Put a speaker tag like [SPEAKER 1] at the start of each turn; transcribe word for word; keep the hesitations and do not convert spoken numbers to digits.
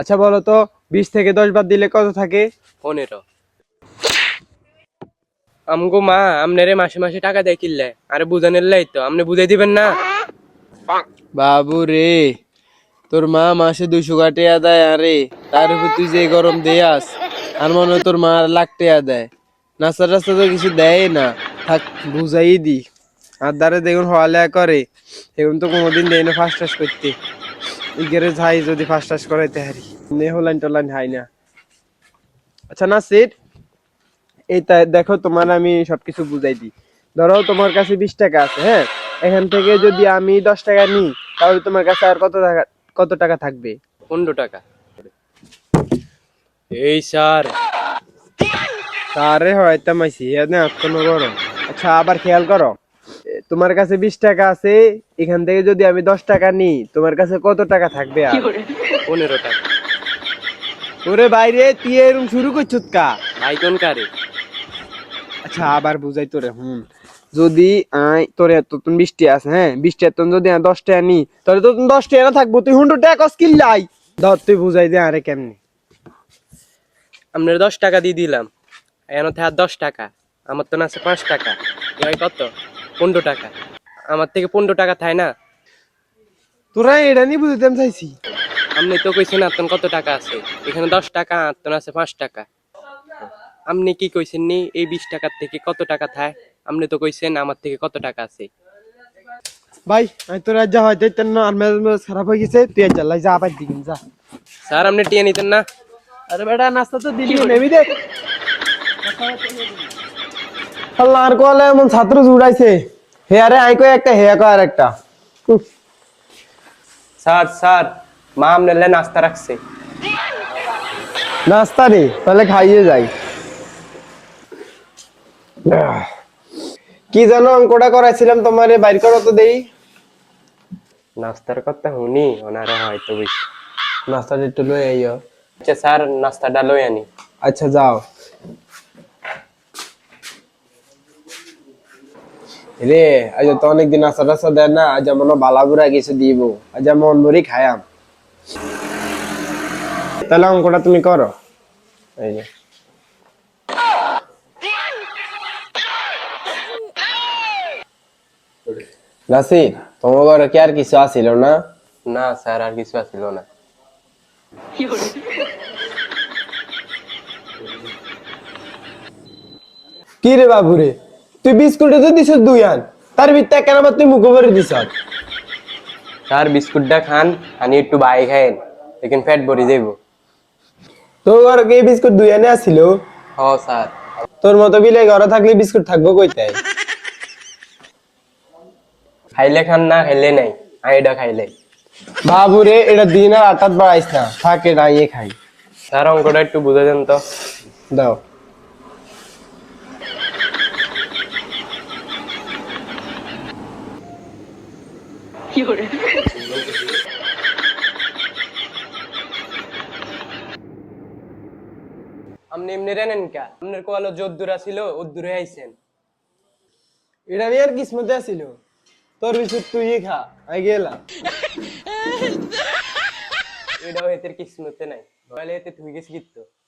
[SPEAKER 1] আচ্ছা বলো তো বিশ থেকে দশ বাদ দিলে কত থাকে?
[SPEAKER 2] পনেরো। আমগো মা আমনেরে মাসে মাসে টাকা দেয় কিনলে আরে বুঝানের লাই তো আপনি বুঝাই দিবেন না।
[SPEAKER 1] বাবু রে, তোর মা মাসে দুইশো টাকা দেয়, আরে তার উপর তুই যে গরম দেয়াস, আর মনে হয় তোর মা লাখ টাকা দেয়। নাস্তা টাস্তা তো কিছু দেয় না। থাক, বুঝাই দি। আর দ্বারে দেখুন হওয়ালেয়া করে, এখন তো কোনোদিন দেয় না ফার্স্ট টাস করতে। ইগেরে যাই যদি ফার্স্ট টাস করাইতে হারি, নে হলাইন টলাইন হাই না। আচ্ছা নাসির, এই তা- দেখো তোমার আমি সবকিছু বুঝাই দিই। ধরো তোমার কাছে বিশ টাকা আছে, হ্যাঁ, এখান থেকে যদি আমি দশ টাকা নিই তাহলে তোমার কাছে আর কত টাকা কত টাকা থাকবে?
[SPEAKER 2] পনেরো টাকা। এই স্যার
[SPEAKER 1] তারে হয়তো মাইছি এনে এখনো করো। আচ্ছা আবার খেয়াল করো, এ, তোমার কাছে বিশ টাকা আছে, এখান থেকে যদি আমি দশ টাকা নিই তোমার কাছে কত টাকা থাকবে? আর
[SPEAKER 2] পনেরো টাকা।
[SPEAKER 1] ওরে বাইরে তুই এরকম শুরু করছিস কা?
[SPEAKER 2] ভাই কোন কারে?
[SPEAKER 1] আচ্ছা আবার বুঝাই তোরে, হুম, যদি আই তোর এত তুমি বিশ টাকা আছে, হ্যাঁ, বিশ টাকা তুমি যদি দশ টাকা নি তাহলে তো তুমি দশ টাকা না থাকবো, তুই হুন্ড্রেড টাকা কস কিল্লাই। ধর তুই বুঝাই দে আরে কেমনি।
[SPEAKER 2] আপনার দশ টাকা দিয়ে দিলাম, এখন আর দশ টাকা, আমার তো না আছে পাঁচ টাকা, এবার কত? পনেরো টাকা। আমার থেকে পনেরো টাকা থাই না।
[SPEAKER 1] তোরা এটা নিয়ে বুঝাইতে আমি চাইছি।
[SPEAKER 2] আপনি তো কইছেন আপনার কত টাকা আছে, এখানে দশ টাকা আপনার আছে পাঁচ টাকা। আপনি কি কইছেন নি এই বিশ টাকার থেকে কত টাকা থায়? আপনি তো কইছেন আমার থেকে কত টাকা আছে।
[SPEAKER 1] ভাই আমি তোর আজ যা হয়তো তেন আর মেজাজ মেজাজ খারাপ হয়ে গেছে, তুই আজ লাই যা আবার দিকিন যা।
[SPEAKER 2] স্যার আপনি টিয়া নিতেন না?
[SPEAKER 1] আরে বেটা নাস্তা তো দিলি নেবি দে। আল্লাহ আর কোয়ালে এমন ছাত্র জুড়াইছে, হে আরে আই কই একটা হে কয় আর একটা। উফ,
[SPEAKER 2] স্যার স্যার মা আপনার লাই নাস্তা রাখছে।
[SPEAKER 1] নাস্তা রে তাহলে খাইয়ে যাই। আহ, কি জানো অঙ্কটা করাইছিলাম তোমারে বাইর করো তো দেই।
[SPEAKER 2] নাস্তার কথা শুনি ওনারা হয়তো বুঝছে।
[SPEAKER 1] নাস্তাটা একটু লই আইও।
[SPEAKER 2] আচ্ছা স্যার নাস্তাটা লই আনি।
[SPEAKER 1] আচ্ছা যাও। রে আজ তো অনেকদিন নাস্তা টাস্তা দেয় না, আজ মনে বালাবুরা কিছু দিব, আজ মন ভরি খায়াম। তাহলে অঙ্কটা তুমি করো। এই যে নাসির, তোমার ঘরে কি আর কিছু আছিল না?
[SPEAKER 2] না স্যার আর কিছু আছিল না।
[SPEAKER 1] কি রে বাবু রে, তুই বিস্কুটে তো দিছ দুই আন, তার ভিতরে কেন আবার তুই মুখে ভরে দিছ?
[SPEAKER 2] স্যার বিস্কুটটা খান, আনি একটু বাই খাইন, লেকিন পেট ভরি যাইব।
[SPEAKER 1] তোর ঘরে কি বিস্কুট দুই আনে আসিল?
[SPEAKER 2] হ স্যার।
[SPEAKER 1] তোর মতো বিলে ঘরে থাকলে বিস্কুট থাকবো কইতে?
[SPEAKER 2] খাইলে খান না খাইলে নাই, আইডা খাইলে।
[SPEAKER 1] বাবু রে এটা দিন আর আটাত বাড়াইস না, থাকে ডাইয়ে খাই।
[SPEAKER 2] স্যার অঙ্কটা একটু বুঝে দেন তো।
[SPEAKER 1] দাও।
[SPEAKER 2] আপনি এমনি রেনেন কা? আপনার কোয়ালো যদ্দুরা ছিল ওদ্দুরে আইছেন।
[SPEAKER 1] এটা নিয়ে আর কিসমতে আসিল, তোর বিস্কুট তুই খা, আই গেলাম।
[SPEAKER 2] এটাও এতে কিসমতে নাই, তাহলে এতে তুই গেছি কিন্তু।